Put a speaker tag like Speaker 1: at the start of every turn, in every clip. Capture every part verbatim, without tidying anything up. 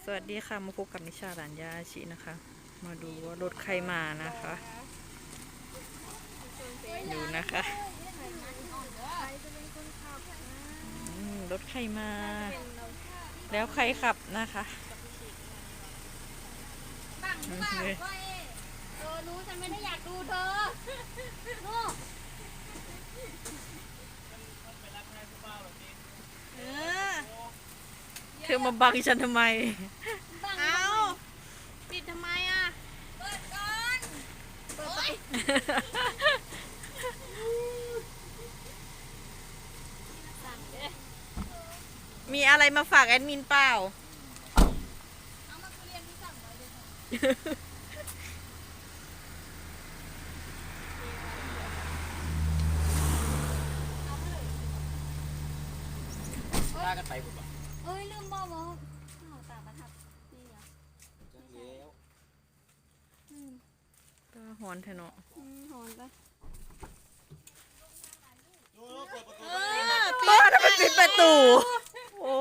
Speaker 1: สวัสดีค่ะมาพบกับนิชาหลานยาชินะคะมาดูว่ารถใครมานะคะดูนะคะอืมรถใครมาแล้วใครขับนะคะ
Speaker 2: บังหรือเปล่าก็เอเออรู้ฉันไม่ได้อยากดูเธอโน่เออ
Speaker 1: เธอมาบังฉันทำไม
Speaker 2: บังเอาปิดทำไมอ่ะเปิดก่อนเปิดไป
Speaker 1: มีอะไรมาฝากแอดมินเปล่า
Speaker 2: เอามาเรียนที่สั่งไว้เลย
Speaker 3: พากันไปผมอ่ะ
Speaker 2: เอ้ยลืมบอกว่าเอาตาประทับนี่เหรอ
Speaker 3: จังเลี้ยว
Speaker 2: อืม
Speaker 1: ก็หอนเถอะเนาะ
Speaker 2: อืมหอนไป
Speaker 3: โอ้เปิดประตู
Speaker 2: เออ
Speaker 1: บ้าทำไมปิดประตูโอ้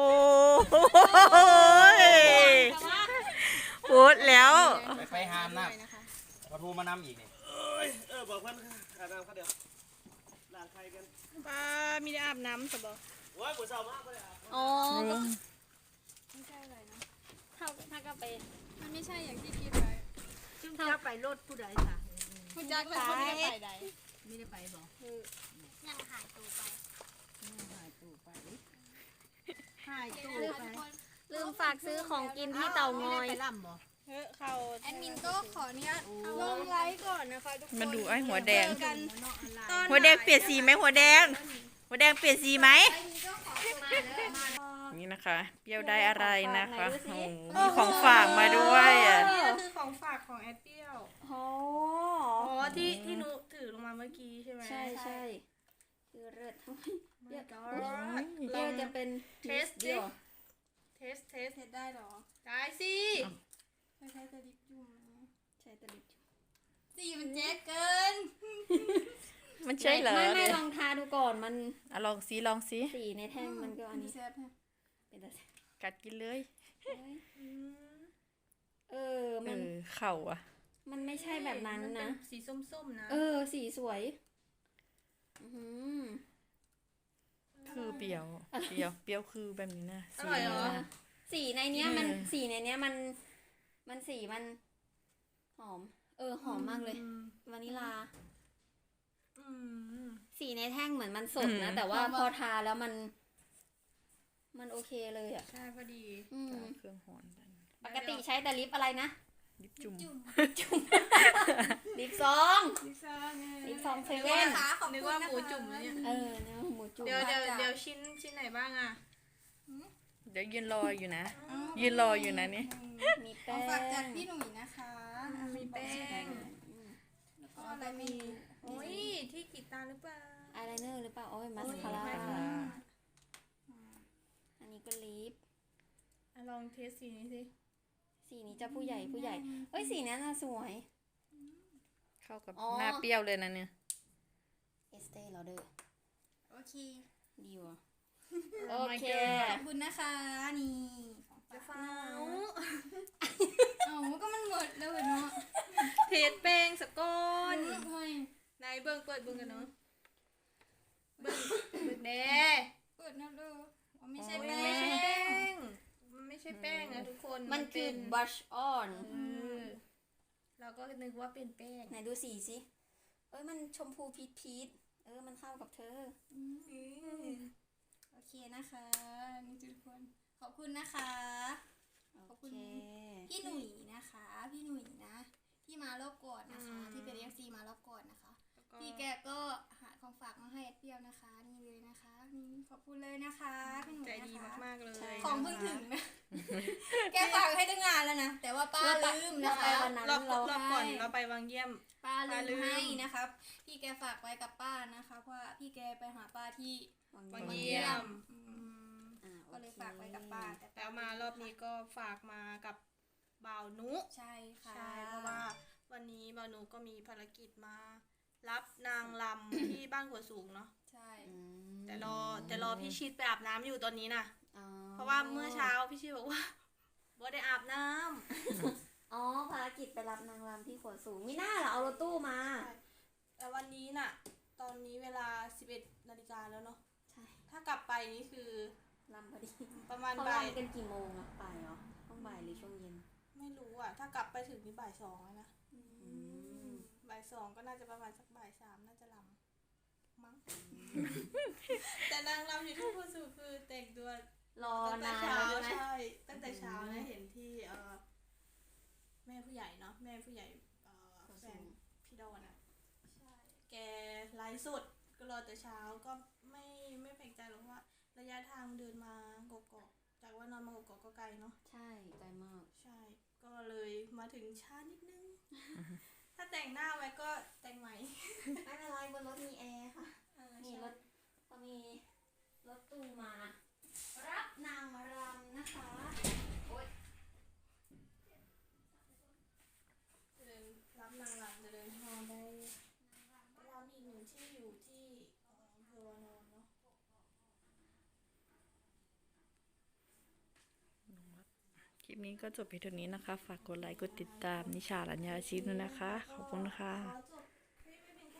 Speaker 1: ยโหดแล้ว
Speaker 3: ไปไปหามน้ำประตูมานำอีกนี่เออบอกเพื่อนอาบน้ำเขาเดี๋ยวล้างใครกัน
Speaker 2: ป้ามีได้อาบน้ำสบาย
Speaker 3: โอ้ยปวดเศร้ามากเลยอ่ะ
Speaker 2: อ๋อก็ไม่ใช่อะไรนะถ้าถ้าก็ไปมันไม่ใช่อย่างที่คิดไว้
Speaker 4: ซึ่งจะไปรถผู้ใดค่ะ
Speaker 2: คุณจักรเขาไม่ได้ไปใด
Speaker 4: ไม่ได้ไปบอก
Speaker 2: ยังหายตัวไป
Speaker 4: หายตู้ไปหายตู้
Speaker 2: ลืม
Speaker 4: ไป
Speaker 2: ลืมฝากซื้อของกินที่เตางอย
Speaker 4: ไปล่ำบ่
Speaker 2: เฮ้เขาแอดมินก็ขออนุญาตลงไลฟ์ก่อนนะคะทุกคน
Speaker 1: มาดูไอ้หัวแดง
Speaker 2: เจอกันตอน
Speaker 1: หัวแดงเปลี่ยนสีไหมหัวแดง หัวแดงเปลี่ยนสีไหม
Speaker 2: แอดมินก็ขอมาเลยมา
Speaker 1: นี่นะคะเปรี้ยวได้อะไรนะคะโอ้โหมีของฝากมาด้วยอ่ะ
Speaker 5: นี่ก็คือของฝากของแอดเปรี้ยว
Speaker 2: โอ้
Speaker 5: อ๋อ ที่ที่หนูถือลงมาเมื่อกี้ใช่ไหม
Speaker 2: ใช่ใช่คือเลิศทั้งเยอะ
Speaker 5: ก็
Speaker 2: เปรี้ยวจะเป็น
Speaker 5: เทส
Speaker 2: เดี
Speaker 5: ดิ
Speaker 2: ยว
Speaker 5: เทสเทส
Speaker 2: เทสได้หรอ
Speaker 5: ได้สิ
Speaker 2: ใช้แต่ดิบจุ่มใช้แต่ดิบจุ่มสีมันแจ๊กเกิน
Speaker 1: มันใช่เหรอ
Speaker 2: ไม่ไม่ลองทาดูก่อนมัน
Speaker 1: อ่ะลองสีลองสี
Speaker 2: สีในแท่งมันก็อันนี้เป็นแต่
Speaker 1: กัดกินเลย
Speaker 2: เออ
Speaker 1: เอ
Speaker 2: มัน
Speaker 1: อเข่าอ่ะ
Speaker 2: มันไม่ใช่แบบนั้น
Speaker 5: มัเป็
Speaker 2: นะ
Speaker 5: สีส้มๆนะ
Speaker 2: เออ สีสวยอือหือ
Speaker 1: คือเปรี้ยวเปรี้ยวเปรี้ยวคือแบบนี้นะ
Speaker 5: อร่อยเหรอ
Speaker 1: นะ
Speaker 2: สีในเนี้ยมัน
Speaker 1: เออ
Speaker 2: สีในเนี้ยมัน มันสีมัน หอม เออ หอมมากเลย
Speaker 5: อืม
Speaker 2: วานิลา
Speaker 5: อืม
Speaker 2: สีในแท่งเหมือนมันสดนะ แต่ว่าพอทาแล้วมัน มันโอเคเลยอ่ะ
Speaker 5: ใช่พอดี
Speaker 2: อืม
Speaker 1: เครื่องหอนกัน
Speaker 2: ปกติใช้แต่ลิปอะไรนะ
Speaker 1: ลิปจุ่ม
Speaker 2: ลิปซอง
Speaker 5: ลิซ่าไง
Speaker 2: ลิปซองเซ
Speaker 5: นึก
Speaker 2: เว่
Speaker 5: ว่าน นึกว่าหมูจุ่มแล้วเนี่ย
Speaker 2: เออเนื้อหมูจุ่ม
Speaker 5: เดี๋ยวเดี๋ยวเดี๋ยวชิ้นชิ้นไหนบ้างอ่ะ
Speaker 1: เดี๋ยวยืนรออยู่นะ ยืนรออยู่นะนี่
Speaker 2: มีแป้ง
Speaker 6: ฝากจากพี่หนุ่ยนะคะ
Speaker 5: มีแป้ง
Speaker 6: แล้วก็อะไรมี
Speaker 5: โอ้ย ที่กรีดตาหรือเปล่า
Speaker 2: อายไลเนอร์หรือเปล่าโอ้ยมาสคาร่า
Speaker 5: โอ้ย
Speaker 2: อันนี้ก็ลิป
Speaker 5: อ่ะลองเทสสีนี้สิ
Speaker 2: สีนี้จะผู้ใหญ่ผู้ใหญ่เอ้ยสีนั้นน่ะสวย
Speaker 1: เข้ากับ
Speaker 2: อ๋อ
Speaker 1: หน้าเปรี้ยวเลยนะเนี่ย
Speaker 2: เอสเต้ลอเดอร์
Speaker 6: โอเค
Speaker 2: ดีว่ะ
Speaker 5: โอ
Speaker 2: โอ
Speaker 5: เค
Speaker 2: เค
Speaker 6: ขอบคุณนะคะ นี่ของ
Speaker 5: จะ
Speaker 6: ฝาก
Speaker 5: ฟ้า
Speaker 6: เอ้าก็มันหมดแล้วเนาะ
Speaker 5: เทสแป้งสกก้อน
Speaker 6: เฮ้ย
Speaker 5: ไหนเบิ่งเปิดเบิ่งกันเนาะเบิ่งเบิ่งแน่
Speaker 6: เปิดนะลูกอ๋อไม่ใช่
Speaker 5: โอ้ย
Speaker 6: แป้
Speaker 5: ไม่ใช่
Speaker 6: ง
Speaker 5: แป้ง มันไม่ใช่แป้งนะทุกคน
Speaker 2: มันคือ
Speaker 5: เป็
Speaker 2: บัชออน
Speaker 5: เออเราก็นึกว่าเป็นแป้ง
Speaker 2: ไหนดูสีสิเอ้ยมันชมพูพีชพีชเออมันเข้ากับเธอ
Speaker 6: โอเคนะคะนี่ทุกคน ขอบคุณนะคะ ขอบ
Speaker 2: โอ
Speaker 6: คุณ
Speaker 2: เค
Speaker 6: พี่หนุ่ยนะคะ พี่หนุ่ยนะ ที่มารอบก่อนนะคะ ที่เป็นเอฟซีมารอบก่อนนะคะ
Speaker 5: แล้วก็
Speaker 6: พี่แกก็หาของฝากมาให้เปรี้ยวนะคะ นี่เลยนะคะนี่ขอบคุณเลยนะคะพี่หนุ่ย
Speaker 5: ใจ
Speaker 6: นะคะ
Speaker 5: ดีมากๆเลย
Speaker 6: ของเพิ่งถึงนะ แกฝากให้ตั้งงานแล้วนะ แต่ว่าป้าลืมนะคะ
Speaker 2: วันนั้น
Speaker 5: รอบ
Speaker 2: เรา
Speaker 5: รอบก่อน
Speaker 6: ให้
Speaker 5: เราไปวังเยี่ยม
Speaker 6: ป้า
Speaker 5: ป้าลื
Speaker 6: ลื
Speaker 5: ม
Speaker 6: มให้นะครับ พี่แกฝากไว้กับป้านะคะเพราะว่าพี่แกไปหาป้าที่
Speaker 5: วังเยี่ยม
Speaker 6: อืม
Speaker 2: อ่าโอค
Speaker 6: ก็เลยฝากไว้กับป้าแต่
Speaker 5: แล้วมารอบนี้ก็ฝากมากับบ่าวนุ
Speaker 6: ใช่ค่ะ
Speaker 5: ใช่เพราะว่าวันนี้บ่าวนุก็มีภารกิจมา รับนางลำ ที่บ้านหัวสูงเนาะ
Speaker 6: ใช่
Speaker 2: อืม
Speaker 5: แต่รอแต่รอพี่ชิดไปอาบน้ำอยู่ตอนนี้นะ
Speaker 2: อ๋อ
Speaker 5: เพราะว่าเมื่อเช้าพี่ชิดบอกว่า บว่าได้อาบน้ำ
Speaker 6: อ๋อภารกิจไปรับนางรำที่ขวดสูงมีหน้าเหรอเอารถตู้มา
Speaker 5: ใช่แต่วันนี้น่ะ ตอนนี้เวลาสิบเอ็ดนาฬิกาแล้วเนาะ
Speaker 6: ใช่
Speaker 5: ถ้ากลับไปนี่คือ
Speaker 6: รำพอดี
Speaker 5: ประมาณ
Speaker 6: เขา
Speaker 5: บ่าย
Speaker 6: รำกันกี่โมงอะบ่ายเหรอต้องบ่ายหรือช่วงเย็น
Speaker 5: ไม่รู้อ่ะ ถ้ากลับไปถึงนี่บ่ายสองแล้วนะ
Speaker 6: อืม
Speaker 5: บ่ายสองก็น่าจะประมาณสักบ่ายสามน่าจะลำมั้ง แต่นางลำอยู่ที่พูดสู่คือแต่งตัว
Speaker 6: รอ
Speaker 5: ตั้งแต่
Speaker 6: นาน
Speaker 5: เช้า
Speaker 6: แล้วใช่ไหม
Speaker 5: ใช่ ตั้งแต่เช้านะเห็นที่เอ่อแม่ผู้ใหญ่เนาะแม่ผู้ใหญ่เอ่อแฟนพี่ดอนอ่ะใช่แกไลฟ์สดก็รอแต่เช้าก็ไม่ไม่แปลกใจหรอกว่า ระยะทางเดินมากกอกๆจากว่านอนมากกอกก็ไกลเนาะ
Speaker 6: ใช่ไกลมาก
Speaker 5: ใช่ ก็เลยมาถึงช้านิดนึง ถ้าแต่งหน้าไว้ก็แต่งใหม่
Speaker 6: ไม่เป็นไรบนรถมีแอร์ค่ะ
Speaker 5: เออ
Speaker 6: มี
Speaker 5: ใช่
Speaker 6: รถก็มีรถตู้มา รับนางรำนะคะโอ๊ย
Speaker 5: จะเดินรับนางรำจะเดินทางไปไปรำอีกหนึ่งที่อยู่ที่เอ่ออำเภอวานอนเนาะ
Speaker 1: คลิปนี้ก็จบเพียงเท่านี้นะคะ ฝากกดไลค์ กดติดตามนิชาลัญญาอาชีพด้วยนะคะ ขอบคุณค่ะ
Speaker 5: ขอจ